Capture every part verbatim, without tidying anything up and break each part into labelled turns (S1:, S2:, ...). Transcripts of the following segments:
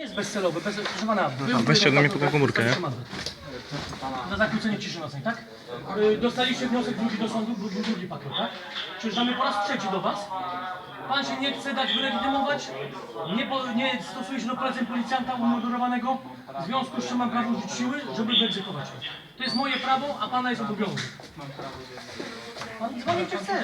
S1: jest bezcelowy, bez, proszę pana.
S2: Weźcie ode mnie po tą komórkę, nie?
S1: Na zakłócenie ciszy nocnej, tak? Yy, dostaliście wniosek drugi do sądu, był drugi pakiet, tak? Przyjeżdżamy po raz trzeci do was. Pan się nie chce dać wylegitymować, nie, po, nie stosuje się do poleceń policjanta umundurowanego, w związku z czym mam prawo użyć siły, żeby wyegzekwować. To jest moje prawo, a pana jest obowiązek. Pan dzwoni czy chce?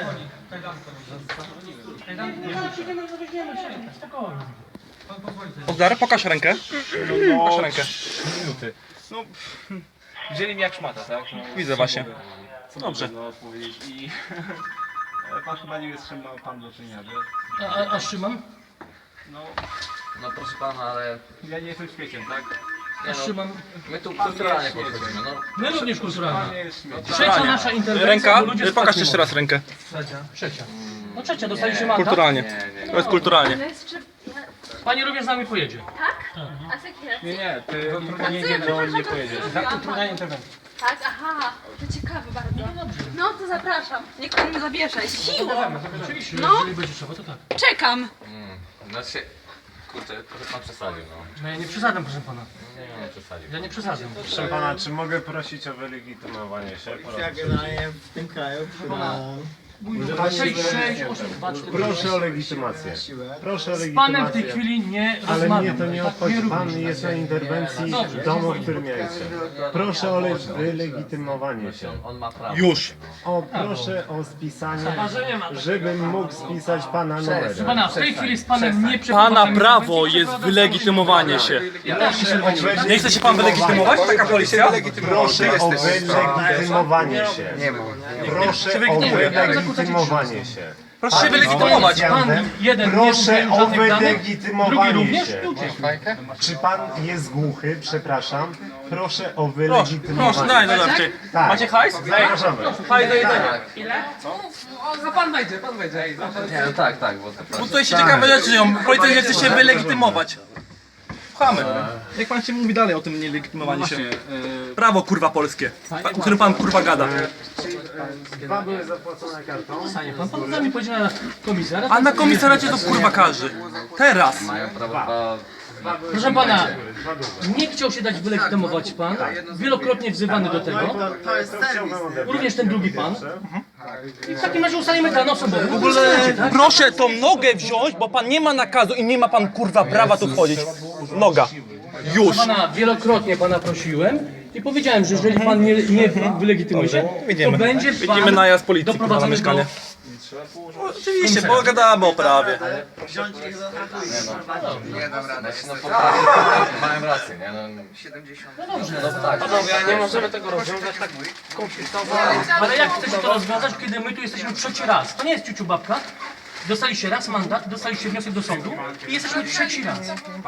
S1: Nie, zaraz przyjdziemy, zaweźmiemy się, spokojnie.
S2: Ozdar, pokaż rękę. Pokaż rękę.
S3: Minuty. No, wzięli mnie jak szmata, tak? No,
S2: Widzę właśnie.
S3: Co
S2: Dobrze.
S3: można odpowiedzieć i... Ale pan chyba nie wie, z czym ma pan do czynienia, że...
S1: A, a, a Szymon?
S3: No,
S4: No proszę pana, ale
S3: ja nie jestem świeciem, tak?
S1: A Szymon?
S4: my tu kulturalnie podchodzimy, no.
S1: My również
S3: Pan
S1: kulturalnie.
S3: nie jest świeciem.
S1: Trzecia nasza interwencja,
S2: Ręka,
S1: bo ludzie spać
S2: pokaż
S1: nie
S2: jeszcze
S1: mogą.
S2: raz rękę.
S1: Trzecia. Trzecia. No trzecia, dostaliście mandat.
S2: Kulturalnie.
S4: Nie, nie,
S2: To jest kulturalnie.
S5: Ale jeszcze...
S1: Pani również z nami pojedzie.
S5: Tak? A z jakiej racji?
S3: Nie, nie, ty
S5: A
S3: nie,
S5: co
S3: nie,
S5: ja
S3: nie,
S5: przepraszam,
S3: nie
S5: to
S3: pojedziesz.
S5: zrobiłam?
S1: interwencji.
S5: Tak, aha, to ciekawe bardzo. No to zapraszam. Niech pan mnie zabierze. Siłą!
S1: Oczywiście,
S5: No.
S1: jeżeli będzie trzeba, to tak.
S5: Czekam!
S4: Mm, znaczy, kurczę, trochę pan przesadził, no.
S1: No ja nie przesadzam, proszę pana.
S4: Nie, nie przesadził.
S1: Ja nie przesadzam.
S6: Proszę pana, czy mogę prosić o wylegitymowanie się?
S7: Ja generalnie w tym kraju przydałem
S1: sześć, sześć, osiem, dwa, cztery.
S6: Proszę o legitymację. Proszę o
S1: Z panem w tej
S6: legitymację.
S1: chwili nie
S6: Ale
S1: rozmawiam.
S6: mnie to nie
S1: Tak,
S6: obchodzi.
S1: również.
S6: Pan jest na interwencji
S1: Dobrze.
S6: w domu, w którym ja jestem. Proszę o le- wylegitymowanie się.
S4: On ma prawo.
S2: Już.
S6: O, proszę o spisanie, żebym mógł spisać pana
S1: Proszę
S6: numer.
S1: pana, w tej chwili z panem nie przeprowadzam
S2: Pana prawo
S1: interwencji,
S2: jest
S1: przeprowadzam
S2: wylegitymowanie się.
S6: Proszę o
S2: Nie chce się pan wylegitymować? Taka policja?
S6: Proszę o wylegitymowanie się. Proszę o wylegitymowanie się.
S2: Proszę się wylegitymować.
S1: Pan jeden
S6: Proszę
S1: nie
S6: o
S1: żadnych danych, drugi
S6: wylegitymowanie
S1: również.
S6: się.
S1: Tu uciekł.
S6: Czy pan jest głuchy? Przepraszam. Proszę o
S2: Proszę,
S6: wylegitymowanie.
S2: proszę, daj, daj, daj.
S6: Tak.
S2: Macie hajs?
S6: Zapraszamy.
S2: Hajs do jedzenia.
S4: Nie, no tak, tak, bo to
S2: Bo tutaj się ciekawe rzeczy dzieją. Policja nie chce się wylegitymować. Słuchamy. Jak pan się mówi dalej o tym nielegitymowaniu się? Prawo kurwa polskie, pa- o którym pan kurwa gada.
S6: Dwa były zapłacone kartą.
S1: Pan, pan z nami pojedzie na komisję. ale
S2: A na komisariacie to kurwa każdy. Teraz.
S4: mają prawo dwa...
S1: Proszę pana, nie chciał się dać wylegitymować pan. Wielokrotnie wzywany do tego.
S7: To jest serwis.
S1: Również ten drugi pan. I w takim razie ustalimy ten osobowy. W ogóle
S2: Proszę tą nogę wziąć, bo pan nie ma nakazu i nie ma pan kurwa prawa tu wchodzić. Noga. Już.
S1: pana wielokrotnie pana prosiłem i powiedziałem, że jeżeli pan nie, nie wylegitymuje się, to
S2: Idziemy.
S1: będzie pan
S2: Idziemy najazd policji kurwa, na
S1: doprowadzony
S2: mieszkanie.
S1: do...
S2: Oczywiście, bo gadamy o prawie.
S7: Wziąć ich za
S4: Nie dam rady. No po prawie mają rację, nie? No,
S7: siedemdziesiąt.
S4: no tak.
S1: nie możemy tego rozwiązać tak kompleksowo. Ale jak chcecie to rozwiązać, kiedy my tu jesteśmy trzeci raz? To nie jest ciuciu babka. Dostaliście raz mandat, dostaliście wniosek do sądu i jesteśmy trzeci raz.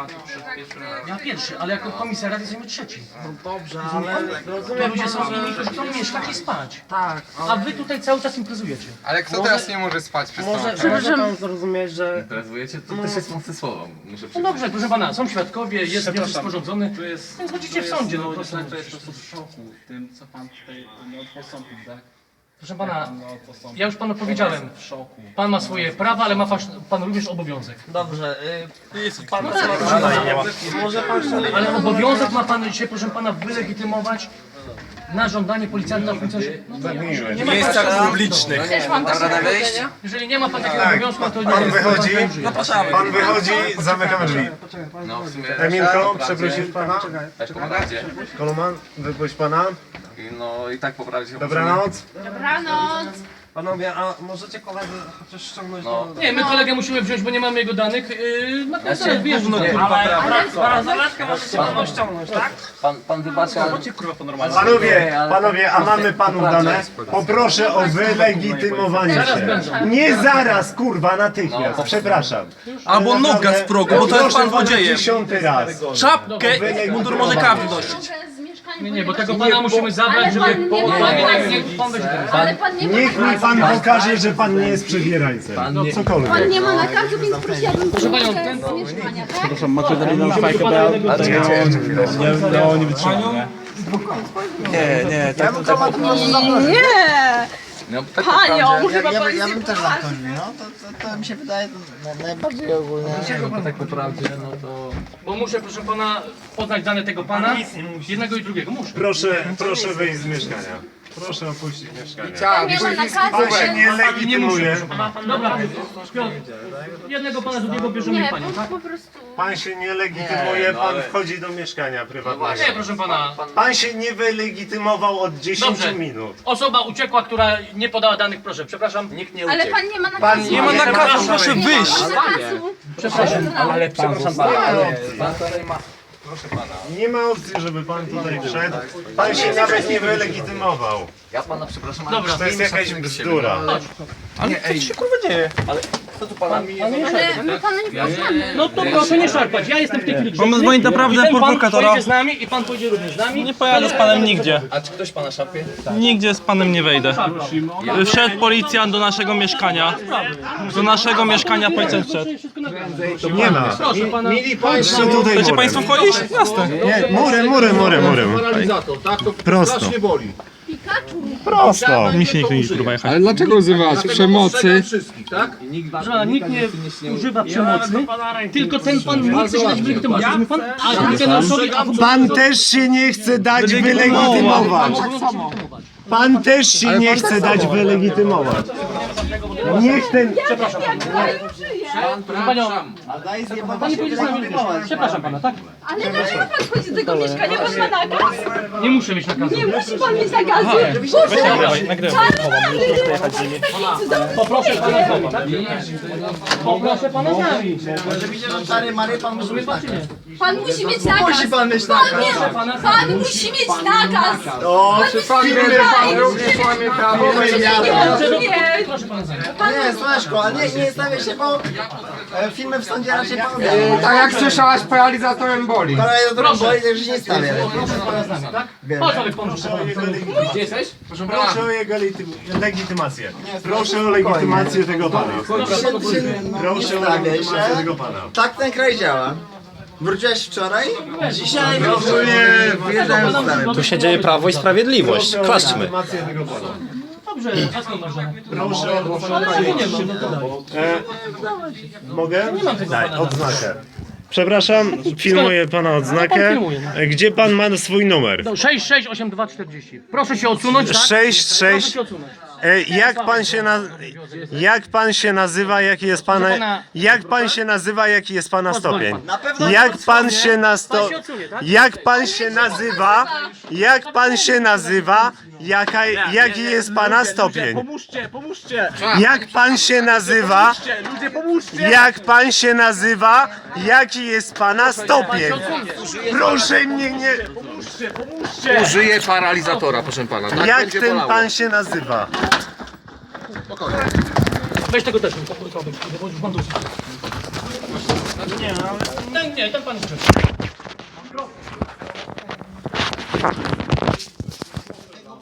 S1: Ja pierwszy, ale jako komisariat jesteśmy trzeci.
S7: Dobrze, ale
S1: To
S7: rozumiem
S1: ludzie są
S7: pana,
S1: inni, którzy chcą mieszkać i spać.
S7: tak,
S1: A wy tutaj cały czas imprezujecie.
S8: Ale kto teraz nie może spać przez
S7: może,
S8: to?
S7: może pan zrozumieć, że
S4: Imprezujecie? To też jest mocne słowo, muszę
S1: No
S4: przyznać.
S1: dobrze, proszę pana, są świadkowie, jest wniosek sporządzony,
S3: Tu jest,
S1: więc chodzicie w sądzie, no po prostu.
S3: To jest po prostu w szoku tym, co pan tutaj no, postąpił, tak?
S1: Proszę pana,
S3: No, postąpił.
S1: ja już panu powiedziałem,
S3: W szoku.
S1: pan ma swoje prawa, ale ma fasz- pan również obowiązek.
S7: dobrze, y, pan,
S6: Może pan się
S1: Ale obowiązek ma pan dzisiaj, proszę pana, wylegitymować na żądanie policjanta w funkcjonariusza. Nie ma
S2: W miejscach
S1: pan-
S2: publicznych.
S5: Też mam takie wyjść?
S1: Jeżeli nie ma pan takiego obowiązku, to nie
S6: Pan
S1: jest
S6: wychodzi?
S1: pan żyje.
S2: Zapraszamy.
S6: Pan wychodzi, zamykamy drzwi.
S4: No w sumie...
S6: Emilko, przeprosisz pana?
S4: Tak pomagacie.
S6: Koluman, wypuść pana.
S4: I no i tak poprawić ją
S6: Dobranoc.
S5: Dobranoc!
S7: panowie, a możecie kolegę chociaż ściągnąć
S4: No.
S7: do...
S1: Nie, my kolegę musimy wziąć, bo nie mamy jego danych. Yy, na
S4: Ja się
S1: koncert wyjeżdżą.
S4: gówno,
S1: kurwa,
S5: Ale
S7: Zaletkę możecie panu ściągnąć, tak?
S4: Pan, pan wybacza...
S6: Panowie, panowie, a mamy panów dane? Poproszę o wylegitymowanie się. Nie zaraz, kurwa, natychmiast. Przepraszam.
S2: Albo noga z progu, bo to jest pan
S6: Poproszę pana
S2: złodziejem.
S6: dziesiąty raz.
S2: Czapkę, mundur może każdy nosić.
S1: Nie, nie, bo tego pana musimy zabrać, żeby...
S5: pan nie ma-
S1: Niech- niech pan będzie teraz.
S5: Ale pan nie ma
S6: Niech mi
S5: nakazu.
S6: pan pokaże, że pan nie jest przebierańcem. No cokolwiek.
S5: Pan nie ma nakazu, więc prosiłabym
S1: Proszę panią,
S5: chwilkę
S1: ten-
S5: z mieszkania, tak?
S2: Nie, nie, tak,
S5: Nie!
S4: No, tak
S5: Panią,
S4: naprawdę-
S5: chyba
S9: Ja,
S5: pan
S9: by- ja
S5: się
S9: bym też
S5: poważnie.
S9: zamknął drzwi, no to, to, to mi się wydaje no, najbardziej ogólnie.
S4: Dlaczego pan tak naprawdę, no to...
S1: Bo muszę, proszę pana, poznać dane tego pana, jednego i drugiego, muszę.
S6: Proszę, proszę wyjść z mieszkania. Proszę opuścić mieszkanie.
S4: Chciałam,
S5: Nie ma nakazu,
S6: Pan się
S5: że...
S6: nie legitymuje.
S1: Dobra, Piotr, jednego pana drugiego bierzemy
S5: Nie,
S1: i panią, tak?
S5: po, po prostu...
S6: Pan się nie legitymuje, pan wchodzi do mieszkania prywatnego.
S1: Nie, proszę pana.
S6: Pan się nie wylegitymował od dziesięciu
S1: Dobrze.
S6: minut.
S1: Osoba uciekła, która nie podała danych, proszę, przepraszam.
S4: Nikt nie
S5: Ale
S4: uciekł.
S5: pan nie ma nakazu.
S6: Pan
S2: Nie ma nakazu, proszę
S5: Nie
S2: wyjść!
S5: ma nakazu.
S1: Przepraszam.
S5: Ale
S4: Przepraszam pana, ale pan tutaj ma... Proszę pana,
S6: Nie ma opcji, żeby pan tutaj wszedł. Pan się nawet nie wylegitymował.
S4: ja pana przepraszam, ale...
S1: Dobra.
S6: To jest jakaś bzdura.
S2: Ale co się kurwa dzieje?
S4: Co tu pana mi...
S5: Ale my pana nie poznamy.
S1: No to proszę nie szarpać, ja jestem w tej chwili grzeczny.
S2: Mamy dzwonić naprawdę
S1: I ten pan
S2: prokuratora.
S1: pojedzie z nami i pan pojedzie również z nami.
S2: Nie pojadę z panem nigdzie.
S4: A czy ktoś pana szarpie?
S2: Nigdzie z panem nie wejdę. Wszedł policjant do naszego mieszkania. Do naszego mieszkania policjant wszedł.
S6: Nie ma.
S1: Proszę pana.
S6: Patrzcie tutaj
S2: Chcecie
S6: murem.
S2: państwo wchodzić? Jasne.
S6: Nie, murem, murem, murem, murem. Prosto. Prosto.
S2: Mi się nikt nie kurwa jechać.
S8: Ale dlaczego używasz przemocy?
S1: Proszę pana, nikt nie używa przemocy, tylko ten pan nie chce się dać wylegitymować. Rozumie pan? A ten osobie...
S6: Pan też się nie chce dać wylegitymować. Pan też się nie chce dać wylegitymować. Niech ten...
S1: Przepraszam. Panią, pani pojedzie z nami. Przepraszam pana, tak?
S5: Ale dlaczego pan wchodzi do tego mieszkania? Pan ma nakaz?
S1: Nie muszę mieć nakazu.
S5: Nie musi pan mieć nakazu. Boże, czarny!
S1: Poproszę pana z nami, tak? Poproszę pana z nami.
S9: Stary Mary, pan musi mieć nakaz.
S5: Pan musi mieć nakaz.
S9: Musi pan mieć
S5: Pan,
S9: nakaz.
S5: nie, pan musi mieć nakaz.
S9: O,
S5: Pan
S9: czy
S5: musi
S9: pan
S5: mieć
S9: wie, że pan
S5: nakaz.
S9: również łamie prawo?
S5: Nie, nie.
S1: Proszę pana z nami.
S9: Nie, Słaszko, ale nie, nie stawiaj się, bo e, filmy w sądzie raczej pan
S8: Tak jak słyszałaś, paralizatorem boli.
S9: paralizatorem boli, także nie stawiaj.
S1: Proszę pana z nami, tak? Chodź, ale proszę. Gdzie jesteś?
S6: Proszę o jego legitym- legitymację. Proszę o legitymację tego pana. Proszę o legitymację tego pana.
S9: Tak ten kraj działa. Wróciłeś wczoraj? Dzisiaj
S6: Proszę
S9: wyjeżdżają stary.
S7: Tu się dzieje Prawo i Sprawiedliwość. Klaszczmy.
S6: legitymację tego pana.
S1: Dobrze, a skąd masz żonę?
S6: Proszę o
S1: Ale nie mam, no to daj.
S6: E, mogę? Daj, odznakę. Przepraszam, filmuję pana odznakę. Gdzie pan ma swój numer?
S1: sześć sześć osiem dwa czterdzieści. Proszę się odsunąć, tak?
S6: sześć
S1: Proszę
S6: sześć.
S1: się odsunąć.
S6: E, jak pan się na, jak pan się nazywa, jaki jest pana, jak pan się nazywa, jaki jest pana stopień? Jak pan się na sto, jak pan się nazywa, jak pan się nazywa, jaka, jaki jest pana stopień?
S2: Pomóżcie, pomóżcie!
S6: Jak pan się nazywa,
S2: Ludzie, pomóżcie!
S6: jak pan się nazywa, jaki jest pana stopień? Proszę mnie nie,
S2: Pomóżcie, pomóżcie!
S4: Użyję paralizatora, proszę pana. Tak
S6: jak
S4: będzie
S6: ten
S4: bolało.
S6: pan się nazywa?
S1: Weź tego też, bo już mam dosyć. Nie, ale... Ten nie, ten pan jest grzeczny.